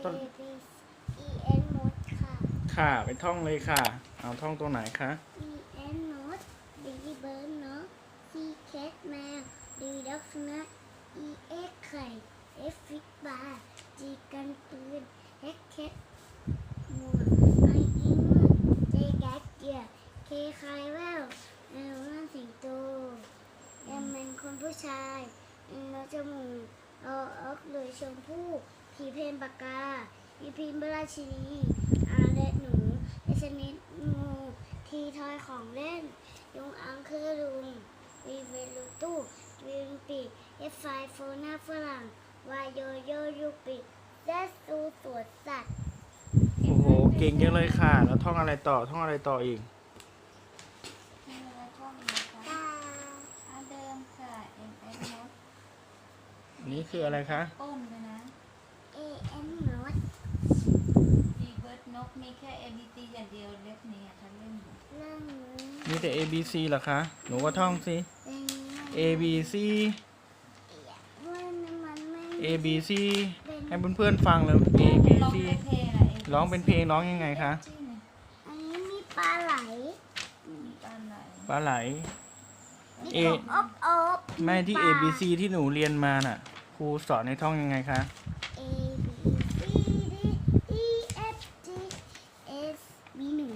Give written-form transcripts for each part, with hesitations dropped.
ต้น A B E N มดค่ะค่ะไปท่องเลยค่ะ เอาท่องตัวไหนคะ E N มด D เบิร์ดเนาะ C cat แมว D ด็อกสุนัข E X ไข่ F ฟิกบาร์ G กันปืน H cat หมวก I อิง J แก๊กเกียร์ K ไคแวว L นั่นสิงโต M เป็นคนผู้ชาย N นกจมูก O ออกเลยชมพู่P เพนปากกา E พิมพ์ราชินี R และหนู S นิดงูT ทอยของเล่นยุงอังคือลุง V เวลูตู้วิงปีก F ไฟโฟหน้าฝรั่ง Y โยโยยูปิก Z ซูสวนสัตว์โอ้โหเก่งจังเลยค่ะ แล้วท่องอะไรต่อท่องอะไรต่ออีกมีอะไรท่องอีกนะคะตาอันเดิมค่ะ M N มดนี่คืออะไรคะต้นเลยนะ A N นด D เบิร์ดนกมีแค่ A B C อย่างเดียวเล็บนี้ท่านเล่นอยู่เรื่องนี้มีแต่ A B C เหรอคะ หนูก็ท่องสิเป็น A B C มันไม่ A B C ให้เพื่อนๆฟังเลย A B ร้อง C เป็นเพลงอะร้องเป็นเพลงร้องยังไงคะชื่อเนี่ยอันนี้มีปลาไหลมีปลาไหลปลาไหลมี A กบอบอบแม่ที่ป A ลา B C ที่หนูเรียนมาน่ะ ครูสอนให้ท่องยังไงคะ A B C D E F G S มีหนู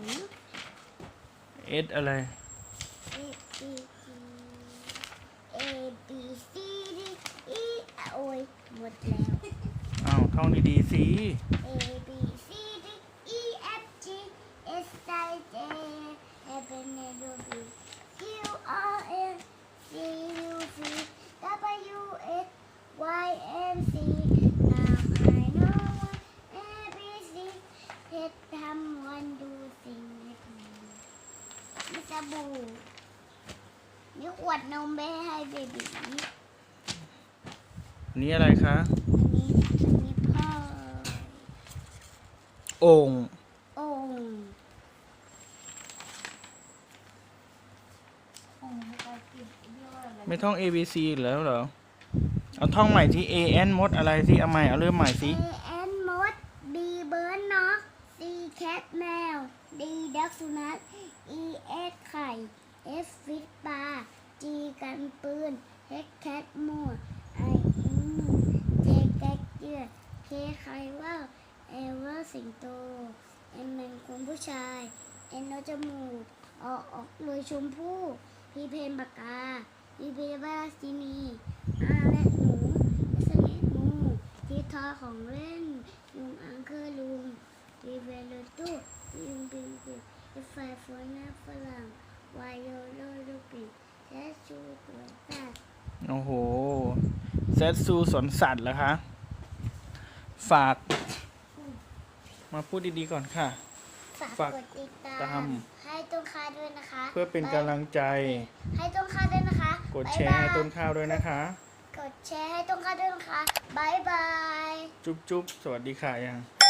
S อะไร A B C A B C D E โอ้ยหมดแล้วอ้าวท่องดีๆสิ A B C D E F G S I J F N L B Q R S T U V W X Y and Z Now I know A B C เพชรทำวันดูสิ่งในถุงมีสบู่มีขวดนมไปให้เบบีอันนี้อะไรคะอันนี้พ่อโอ่งโอ่งองค์ภาษาอังกฤษเรียกว่าอะไรไม่ท่อง A B C อีกแล้วเหรอ เอาท่องใหม่ที่ A N มดอะไรสิ เอาใหม่ เอาเริ่มใหม่สิ A N มด B เบิร์ดนก C แคทแมว D ดักสุนัข E X ไข่ F ฟิตปลา G กันปืน H แคทมั่ว I อิง J แก๊กเจือ K ไข่ว่าว L ว่าสิงโต M เป็นคนผู้ชาย N นกจมูก O ออกเลยชมพู่ P เพนปากกา E เพนราชินี R และหนู S นิดงูทีทอยของเล่นยุงอังคือลุงดีเวลตู้ยุงปิงปิงไฟโฟนหน้าฝรั่งวายโยโยลูปิและชูตัวสัตว์โอ้โหเซตซูสวนสัตว์เหรอคะ ฝาก มาพูดดีๆก่อนค่ะฝากฝากกดติดตาตามมให้ต้นข้าวด้วยนะคะเพื่อเป็นกำลังใจให้ต้นข้าวด้วยนะคะกดแชร์ให้ต้นข้าวด้วยนะคะกดแชร์ให้ต้นข้าวด้วยนะคะบายบายจุ๊บๆ สวัสดีค่ะยังบ